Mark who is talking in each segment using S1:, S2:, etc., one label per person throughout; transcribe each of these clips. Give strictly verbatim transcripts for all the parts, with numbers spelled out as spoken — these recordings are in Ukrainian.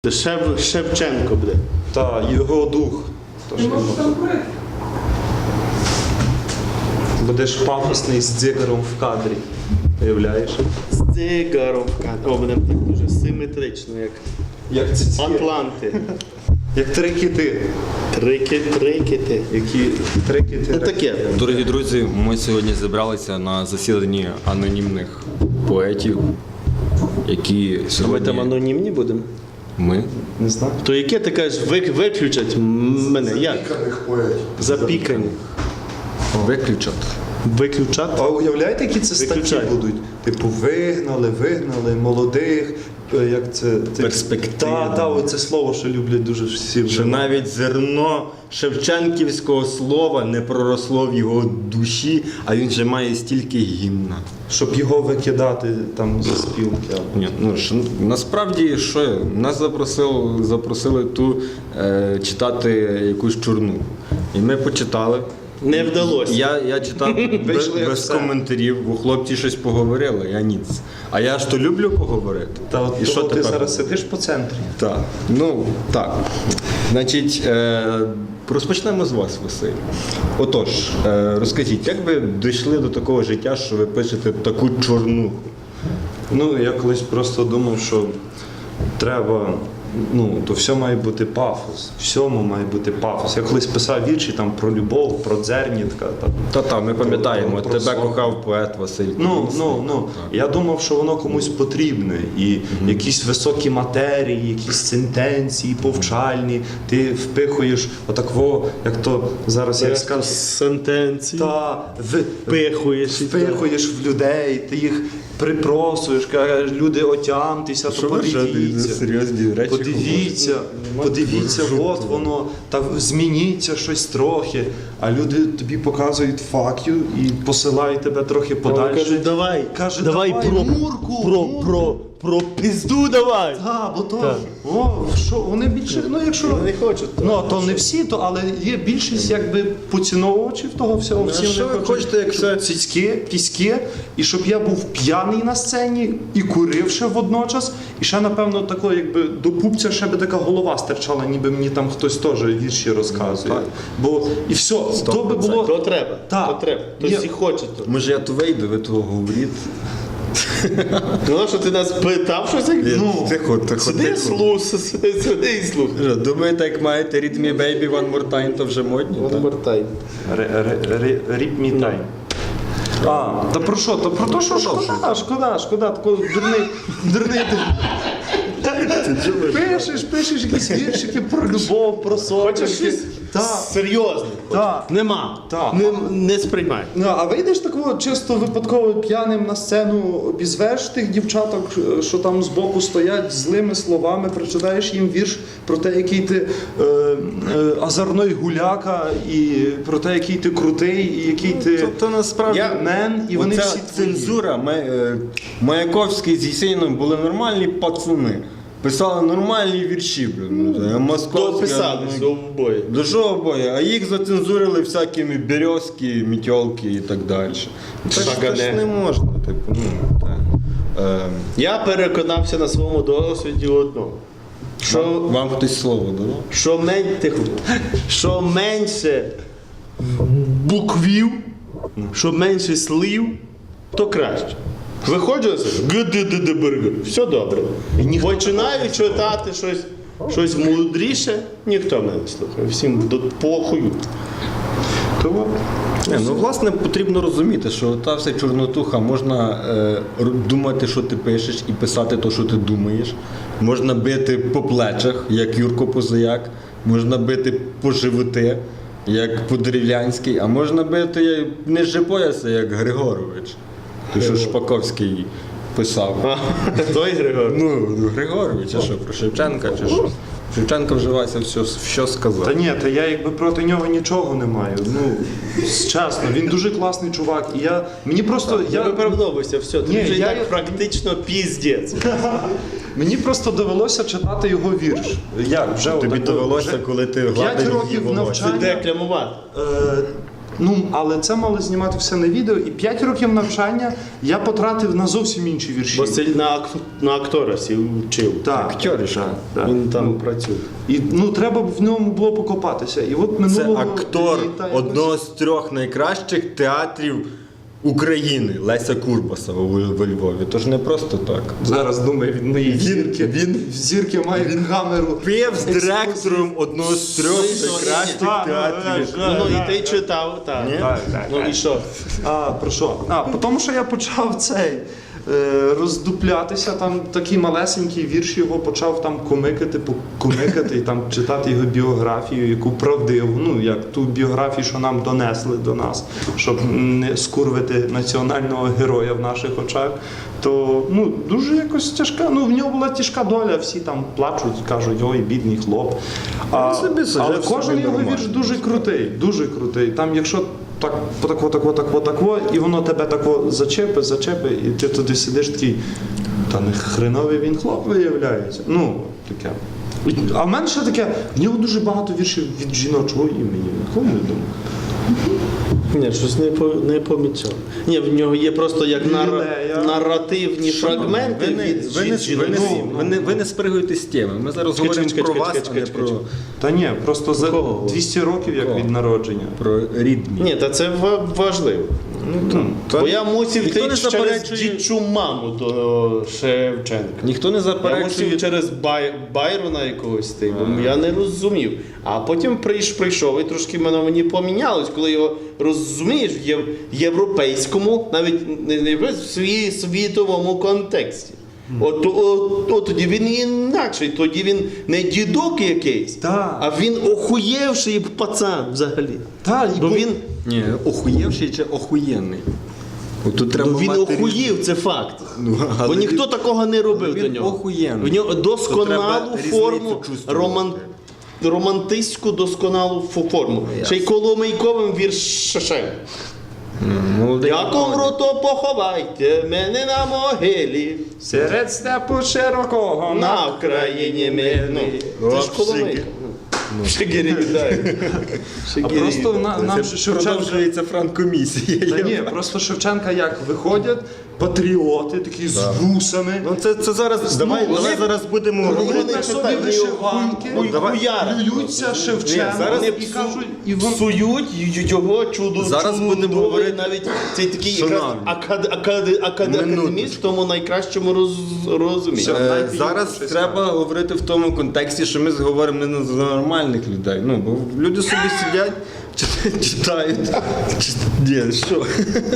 S1: Шев... Шевченко буде.
S2: Та, його дух. То, що він- Будеш пафосний з дзигаром в кадрі. Уявляєш?
S1: З дзигаром. О, будемо так дуже симетрично, як
S2: Як ці
S1: атланти.
S2: Як три кити.
S1: Трики, трикити.
S2: Які три кити.
S1: Ну таке.
S3: Дорогі друзі, ми сьогодні зібралися на засіданні анонімних поетів, які
S1: Ми
S3: сьогодні...
S1: там анонімні будемо?
S3: Ми?
S2: Не знаю.
S1: То яке ти кажеш, вик- виключать м- мене? Як? Запікані.
S3: Виключать.
S1: Виключати?
S2: А уявляєте, які це статті
S1: Виключай.
S2: будуть? Типу, вигнали, вигнали молодих, е, як це? це
S3: Перспективно.
S2: Так, так, оце слово, що люблять дуже всі.
S3: Що
S2: вживати.
S3: навіть зерно шевченківського слова не проросло в його душі, а він же має стільки гімна.
S2: Щоб його викидати там зі спілки. або-
S3: Ні, ну ж, насправді що нас запросили, запросили ту е, читати якусь чорну. І ми почитали.
S1: Не вдалося.
S3: Я, я читав без,
S2: Вийшли як
S3: без
S2: все.
S3: коментарів, бо хлопці щось поговорили, я ніц. А я ж то люблю поговорити.
S2: Та от
S3: І що
S2: того ти
S3: тепер?
S2: зараз сидиш по центрі.
S3: Так. Ну, так. Значить, е, розпочнемо з вас, Василь. Отож, е, розкажіть, як ви дійшли до такого життя, що ви пишете таку чорнуху?
S2: Ну, я колись просто думав, що треба, ну, то все має бути пафос. Всьому має бути пафос. Я колись писав вірші там про любов, про дзернітка. Там.
S3: Та-та, ми пам'ятаємо,
S2: Про- про
S3: тебе
S2: сон.
S3: кохав поет Василь.
S2: Ну,
S3: Колісник.
S2: ну, ну. Я думав, що воно комусь потрібне. І якісь високі матерії, якісь сентенції, повчальні. Ти впихуєш отакво, як то зараз я скажу.
S1: Сентенції.
S2: Та в,
S1: Впихуєш і
S2: впихуєш в людей, ти їх припросуєш, кажеш, люди отямтеся, то
S3: Що ви що,
S2: подивіться.
S3: серйозні речі
S2: Подивіться, подивіться, от воно, та змініться щось трохи. А люди тобі показують fuck you і посилають тебе трохи подальше.
S1: Кажуть, давай,
S2: Каже,
S1: давай,
S2: давай,
S1: про,
S2: Мурку,
S1: про,
S2: Мурку.
S1: про, про пізду давай.
S2: Та, бо то,
S1: Так.
S2: о, що, вони більше, ну якщо,
S1: Вони не хочуть.
S2: ну, а то не всі, то, але є більшість якби поціновувачів того всього.
S3: Ну,
S2: Всі
S3: що
S2: вони
S3: ви хочете, як все-
S2: цицьки, піськи, і щоб я був п'яний на сцені і курив ще водночас, і ще, напевно, тако, якби до пупця ще би така голова стирчала, ніби мені там хтось теж вірші розказує.
S3: Так.
S2: Бо і все, то би було.
S1: То треба,
S2: Так.
S1: то треба. То
S2: Є-
S1: всі хочуть. то.
S3: Може я то вийду, ви того говоріть.
S1: Ну, що ти нас питав, що це?
S3: Ну, тихо, тихо,
S1: Сиди,
S3: тихо.
S1: слух, сиди і слухай.
S3: Що, думаєте, як маєте Read Me Baby One More Time, то вже модні? так?
S1: Обертай.
S2: Ріп мій тайм. А, та про що? Та про те, що шкода, шкода, шкода, такого дурний, дурний. Пишеш, пишеш якісь віршики про любов, про сон.
S1: Хочеш щось
S2: Так.
S1: серйозне?
S2: Так.
S1: Нема.
S2: Так.
S1: Не, не сприймай.
S2: Ну, а вийдеш такого чисто випадково п'яним на сцену, обізвеш тих дівчаток, що там збоку стоять, злими словами, прочитаєш їм вірш про те, який ти е, е, азарний гуляка, і про те, який ти крутий, і який ти
S3: То, то насправді
S2: Я- мен, і вони
S3: оця
S2: всі твої.
S3: цензура, Ма- е, Маяковський з Єсеїном були нормальні пацани. Писали нормальні вірші, блін.
S1: То
S3: Московський.
S1: писалися обоє.
S3: До чого боя? А їх зацензурили всякими березки, мітьолки і так далі. Так ж-
S1: Шагане.
S3: так ж не можна, типу, ну, так. Е,
S1: Я переконався на своєму досвіді одного. Що,
S3: вам, вам хтось слово дало?
S1: що, мен... Тихо. що менше буквів, що менше слів, то краще. Виходжу на себе, г-д-д-д-бр-г. Все добре. Починаю читати щось, щось мудріше, ніхто мене не слухає. Всім до похую. Тому
S3: Не, ну, власне, потрібно розуміти, що та вся чорнотуха, можна е, р- думати, що ти пишеш, і писати те, що ти думаєш. Можна бити по плечах, як Юрко Позаяк, можна бити по животи, як по-дерев'янськи, а можна бити як ниже пояса, як Григорович. Той, що Шпаковський писав.
S1: той Григор.
S3: Ну, Григорович, а що, про Шевченка чи що? Шевченко вживається все, що сказав.
S2: Та ні, та я якби проти нього нічого не маю. Ну, чесно, він дуже класний чувак. І я, мені просто,
S1: Я
S2: я,
S1: виправдовуйся, все, ти
S2: Ні,
S1: вже і
S2: я-
S1: так практично піздець.
S2: мені просто довелося читати його вірш. Як? Вже
S3: Тобі
S2: отако,
S3: довелося,
S2: вже
S3: коли ти
S2: п'ять
S3: гладив її
S2: років
S3: волосся.
S2: навчання.
S1: Декламувати.
S2: Е, Ну, але це мали знімати все на відео, і п'ять років навчання я потратив на зовсім інші вірші.
S1: Василь на, ак... на актора сів вчив.
S2: Так,
S3: Актори ж.
S2: так, так.
S1: Він там
S2: Ну,
S1: працює.
S2: і, ну, треба б в ньому було покопатися. І от
S3: Це
S2: минулого
S3: актор
S2: літа якось-
S3: одного з трьох найкращих театрів України Леся Курбасова у у Львові. Тож не просто так.
S2: Зараз думає від моєї
S3: Він-
S2: зірки.
S3: він-
S2: в зірки має він камеру.
S3: Пив з директором одного з трьох найкращих
S2: Так,
S3: театрів.
S2: ну,
S1: Ну, ну і ти читав, так.
S3: Ні?
S2: Так, так,
S1: Ну
S2: так.
S1: і що?
S2: А, про що? А, тому що я почав цей е, роздуплятися, там такий малесенький вірш його почав там комикати, комикати і там читати його біографію, яку правдиву, ну як ту біографію, що нам донесли до нас, щоб не скурвити національного героя в наших очах. То ну дуже якось тяжка. Ну в нього була тяжка доля, всі там плачуть, кажуть, ой, бідний хлоп. А,
S3: собі сюжет
S2: але
S3: собі
S2: кожен його
S3: нормальний.
S2: вірш дуже крутий, дуже крутий. Там, якщо так, тако, тако, тако, тако, і воно тебе тако зачепи, зачепи, і ти туди сидиш такий, та не хреновий він хлоп виявляється. Ну, таке. А в мене ще таке, в нього дуже багато віршів від жіночого імені. Ніколи не думав.
S1: Ні, щось не, по, не помічав. Ні, в нього є просто як нар...
S2: Лілея.
S1: наративні фрагменти
S3: Ви не,
S1: від
S3: ви, не,
S1: жін-
S3: ви, не,
S1: жінок.
S3: ви, не, ви не спригуєте з теми. Ми зараз
S1: Чекай,
S3: говоримо
S1: чекай,
S3: про
S1: чекай,
S3: вас,
S1: чекай,
S3: а не
S1: чекай,
S3: про,
S1: чекай.
S2: Та ні, просто за
S1: Кого?
S2: двісті років як
S3: Кого?
S2: від народження.
S3: про рідні.
S1: Ні, та це ва- важливо.
S3: Ну, то-
S1: Бо я мусив
S3: ніхто
S1: йти
S3: не
S1: через
S3: заперечує-
S1: дідчу маму до Шевченка.
S3: Ніхто не
S1: Я
S3: заперечує.
S1: мусив через Бай... Байрона якогось йти, бо я не розумів. А потім прийш, прийшов і трошки воно мені помінялось, коли його розумієш в єв- європейському, навіть не, не в свій світовому контексті. От, от, от тоді він інакший, тоді він не дідок якийсь,
S2: Так.
S1: а він охуєвший пацан взагалі.
S2: Та, і
S1: Бо
S2: бо-
S1: він,
S3: Ні, охуєвший чи охуєнний. От тут треба
S1: ну, він
S3: мати
S1: охуїв, це факт.
S3: Ну, але
S1: Бо ніхто
S3: він-
S1: такого не робив
S3: він
S1: до нього.
S3: охуєнний.
S1: В нього
S3: То
S1: досконалу
S3: треба різницю
S1: форму,
S3: чувствувати.
S1: роман... романтичну досконалу фо- форму.
S3: ясно.
S1: Ще й Коломийковим віршем.
S3: Молодий
S1: Як умру, то поховайте мене на могилі.
S2: Серед степу широкого
S1: На Вкраїні мирній.
S3: Ну,
S1: Це ж
S3: о,
S1: Коломийка.
S3: Шигір.
S1: Шигирі віддай.
S2: А просто на, нам
S3: Це
S2: Шевченка.
S3: продовжується франкомісія.
S2: Та ні, просто Шевченка як виходять патріоти, такі з вусами.
S3: Ну це, це зараз. Давай,
S2: вони-
S3: давай зараз будемо
S2: Вони
S3: говорити.
S2: на собі
S1: питання,
S2: вишиванки,
S1: хуй-
S3: давай.
S1: хуяра.
S2: плюються Шевченка
S1: Ні, зараз
S2: і
S1: псу-
S2: кажуть, і вон...
S1: псують й- його чудо.
S3: Зараз
S1: чудовий,
S3: будемо говорити-
S1: навіть цей такий якраз
S3: Шановні.
S1: акад, акад, акад,
S3: Минуточку.
S1: академіст в тому найкращому роз, розумінні.
S2: Все.
S3: Е,
S2: Дайте
S3: Зараз
S2: їм щось
S3: треба говорити в тому контексті, що ми говоримо не за нормальних людей. Ну, бо люди собі сидять, чит- читають. Чит- Ні, що?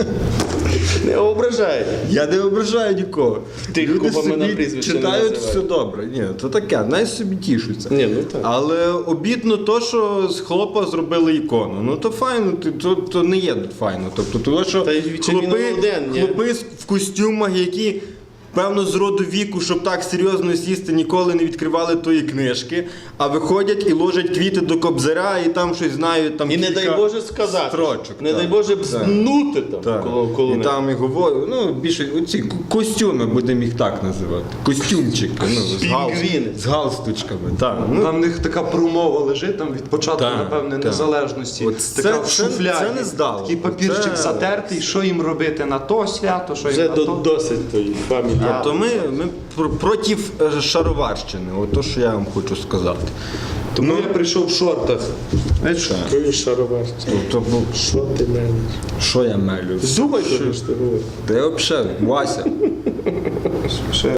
S1: Не ображай.
S3: Я не ображаю нікого.
S1: Тих,
S3: Люди
S1: кого ми на
S3: собі
S1: прізвище не
S3: читають,
S1: називаємо.
S3: все добре. Ні, то таке, най собі тішуться.
S1: Ні, ну так.
S3: Але обідно то, що з хлопа зробили ікону. Ну то файно, ти- то, то не є файно. Тобто, того, що
S1: Та й чи він
S3: хлопи,
S1: один, ні?
S3: хлопи з- в костюмах, які певно з роду віку, щоб так серйозно сісти, ніколи не відкривали тої книжки, а виходять і ложать квіти до кобзаря, і там щось знають. Там
S1: І не
S3: кілька
S1: дай Боже сказати.
S3: строчок.
S1: Не
S3: так.
S1: дай Боже
S3: Так.
S1: бзнути там
S3: Так.
S1: коло, коло
S3: І
S1: них.
S3: там і говорю, ну більше оці ко- костюми будемо їх так називати. Костюмчики, ну, з, гал,
S1: Пінгвіни.
S3: з галстучками. Так, ну,
S2: Там в них така промова лежить там від початку,
S3: Так,
S2: напевне,
S3: так.
S2: незалежності.
S3: От
S2: така
S3: це-
S2: в
S3: це-
S2: шуфляді.
S3: це не здало.
S2: Такий папірчик
S3: Це-
S2: затертий, що їм робити на то свято, що
S1: Вже
S2: їм на
S1: до,
S2: то.
S1: досить тої фамілії.
S3: Тобто ми, ми пр- проти е, шароварщини, от то, що я вам хочу сказати.
S2: Тому я прийшов в шортах. Знаєш, що?
S1: Твої шароварці.
S3: Тобто, ну,
S1: Що ти мелиш?
S3: що я мелю?
S1: Думай, що ж ти говориш.
S3: Де взагалі, Вася?
S2: Ще